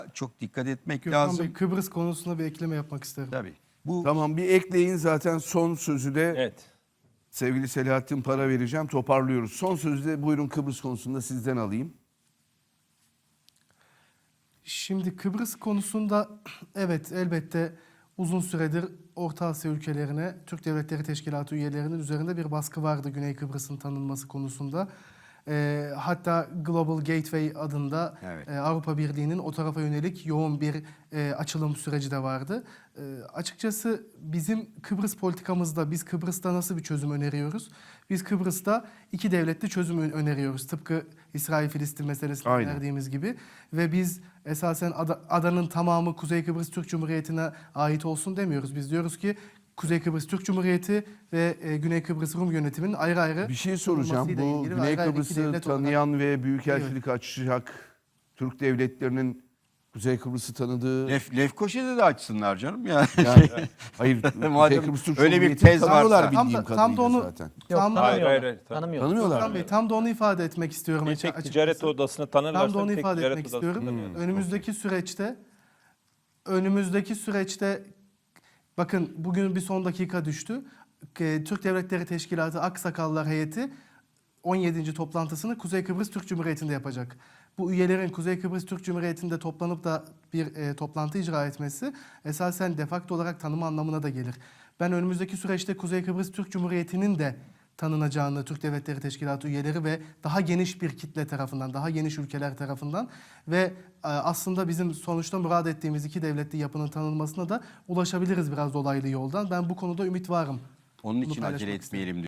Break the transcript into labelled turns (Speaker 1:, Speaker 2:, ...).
Speaker 1: çok dikkat etmek
Speaker 2: Gökhan
Speaker 1: lazım.
Speaker 2: Bey, Kıbrıs konusunda bir ekleme yapmak isterim.
Speaker 1: Tabii. Bu
Speaker 3: Tamam, bir ekleyin, zaten son sözü de
Speaker 4: Evet.
Speaker 3: sevgili Selahattin Para vereceğim, toparlıyoruz. Son sözü de buyurun Kıbrıs konusunda sizden alayım.
Speaker 2: Şimdi Kıbrıs konusunda evet elbette uzun süredir Orta Asya ülkelerine Türk Devletleri Teşkilatı üyelerinin üzerinde bir baskı vardı Güney Kıbrıs'ın tanınması konusunda. Hatta Global Gateway adında
Speaker 1: Evet.
Speaker 2: Avrupa Birliği'nin o tarafa yönelik yoğun bir açılım süreci de vardı. Açıkçası bizim Kıbrıs politikamızda biz Kıbrıs'ta nasıl bir çözüm öneriyoruz? Biz Kıbrıs'ta iki devletli çözüm öneriyoruz. Tıpkı İsrail-Filistin meselesini
Speaker 3: Aynen.
Speaker 2: önerdiğimiz gibi. Ve biz esasen adanın tamamı Kuzey Kıbrıs Türk Cumhuriyeti'ne ait olsun demiyoruz. Biz diyoruz ki Kuzey Kıbrıs Türk Cumhuriyeti ve Güney Kıbrıs Rum yönetiminin ayrı ayrı
Speaker 3: Bir şey soracağım.
Speaker 2: olmasıyla
Speaker 3: Bu
Speaker 2: ilgili ve
Speaker 3: Güney
Speaker 2: ayrı ayrı iki
Speaker 3: Kıbrıs'ı
Speaker 2: devlet olarak-
Speaker 3: tanıyan ve büyükelçilik açacak Türk devletlerinin Kuzey Kıbrıs'ı tanıdığı...
Speaker 1: Lefkoşa'da da açsınlar canım yani.
Speaker 3: Yani, hayır, Kuzey
Speaker 1: Madem
Speaker 3: Kıbrıs Türk
Speaker 1: öyle bir
Speaker 3: Cumhuriyeti'ni
Speaker 1: tez
Speaker 3: tanıyorlar
Speaker 1: varsa.
Speaker 3: bildiğim
Speaker 2: Tam da
Speaker 3: kadarıyla
Speaker 2: onu-
Speaker 3: zaten.
Speaker 2: Tam da,
Speaker 4: Hayır.
Speaker 3: Tanımıyorlar.
Speaker 2: Gökhan Bey, tam da onu ifade etmek istiyorum.
Speaker 4: Bir tek
Speaker 2: açıkçası.
Speaker 4: ticaret odasını tanırlarsa
Speaker 2: Tam da onu
Speaker 4: tek
Speaker 2: ifade
Speaker 4: ticaret
Speaker 2: etmek
Speaker 4: odasını
Speaker 2: istiyorum.
Speaker 4: tanıyorlar.
Speaker 2: Önümüzdeki süreçte bakın bugün bir son dakika düştü. Türk Devletleri Teşkilatı Aksakallar Heyeti 17. toplantısını Kuzey Kıbrıs Türk Cumhuriyeti'nde yapacak. Bu üyelerin Kuzey Kıbrıs Türk Cumhuriyeti'nde toplanıp da bir toplantı icra etmesi esasen de facto olarak tanıma anlamına da gelir. Ben önümüzdeki süreçte Kuzey Kıbrıs Türk Cumhuriyeti'nin de tanınacağını Türk Devletleri Teşkilatı üyeleri ve daha geniş bir kitle tarafından, daha geniş ülkeler tarafından ve aslında bizim sonuçta murad ettiğimiz iki devletli yapının tanınmasına da ulaşabiliriz biraz dolaylı yoldan. Ben bu konuda ümit varım.
Speaker 1: Onun
Speaker 2: Bunu
Speaker 1: için
Speaker 2: paylaşmak
Speaker 1: acele
Speaker 2: istedim.
Speaker 1: etmeyelim